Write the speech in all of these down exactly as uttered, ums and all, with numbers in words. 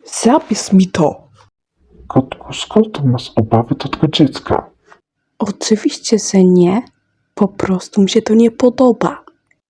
Zapisz mi to. Kotku, skąd masz obawy do tego dziecka? Oczywiście, że nie. Po prostu mi się to nie podoba.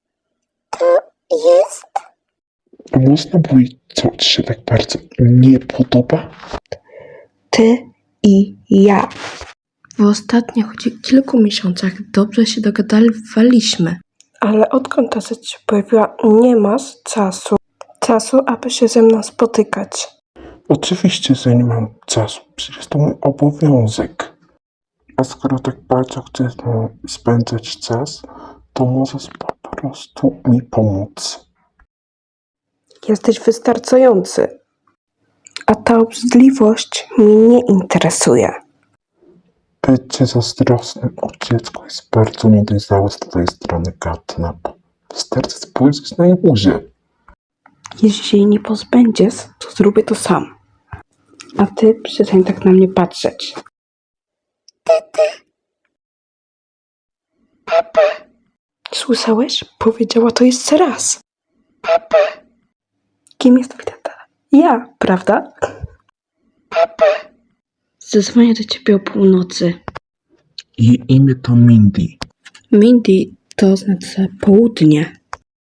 Jest? A można powiedzieć, co ci się tak bardzo nie podoba? Ty i ja. W ostatnich kilku miesiącach dobrze się dogadywaliśmy. Ale odkąd ta rzecz się pojawiła, nie masz czasu. Czasu, aby się ze mną spotykać. Oczywiście, że nie mam czasu. Przecież to mój obowiązek. A skoro tak bardzo chcesz no, spędzać czas, to możesz po prostu mi pomóc. Jesteś wystarczający. A ta obrzydliwość mnie nie interesuje. Bycie zazdrosnym o dziecko jest bardzo niedojrzałe z twojej strony, Katnap. Wystarczy spojrzeć na jej buzię. Jeśli się jej nie pozbędziesz, to zrobię to sam. A ty przestań tak na mnie patrzeć. Słyszałeś? Powiedziała to jeszcze raz. Kim jest twój tata? Ja, prawda? Zadzwonię do ciebie o północy. Jej imię to Mindy. Mindy to oznacza południe.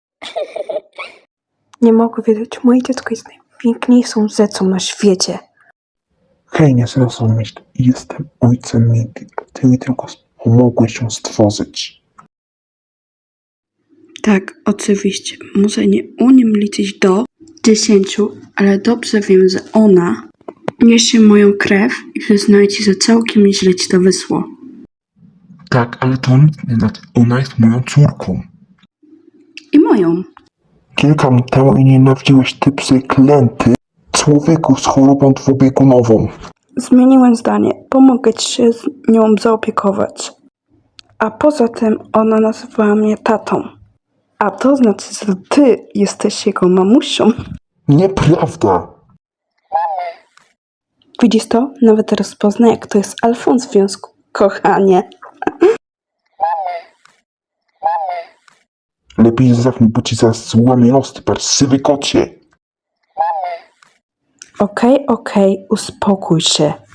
Nie mogę wiedzieć, moje dziecko jest najpiękniejszą rzeczą na świecie. Hej, nie zrozumieć. Jestem ojcem Mindy, a ty mi tylko pomogłeś ją stworzyć. Tak, oczywiście. Może nie umiem liczyć do dziesięciu, ale dobrze wiem, że ona niesie moją krew i przyznaję ci, że całkiem nieźle ci to wyszło. Tak, ale to nic nie znaczy. Ona jest moją córką. I moją. Kilka lat temu i nienawidziłeś ty przeklęty człowieku z chorobą dwubiegunową. Zmieniłem zdanie. Pomogę ci się z nią zaopiekować. A poza tym ona nazywała mnie tatą. A to znaczy, że ty jesteś jego mamusią. Nieprawda. Widzisz to? Nawet rozpoznaj, jak to jest alfą w związku. Kochanie. Lepiej zamknij, bo ci zaraz złamię nos, ty parszywy kocie. Okej, okej, uspokój się.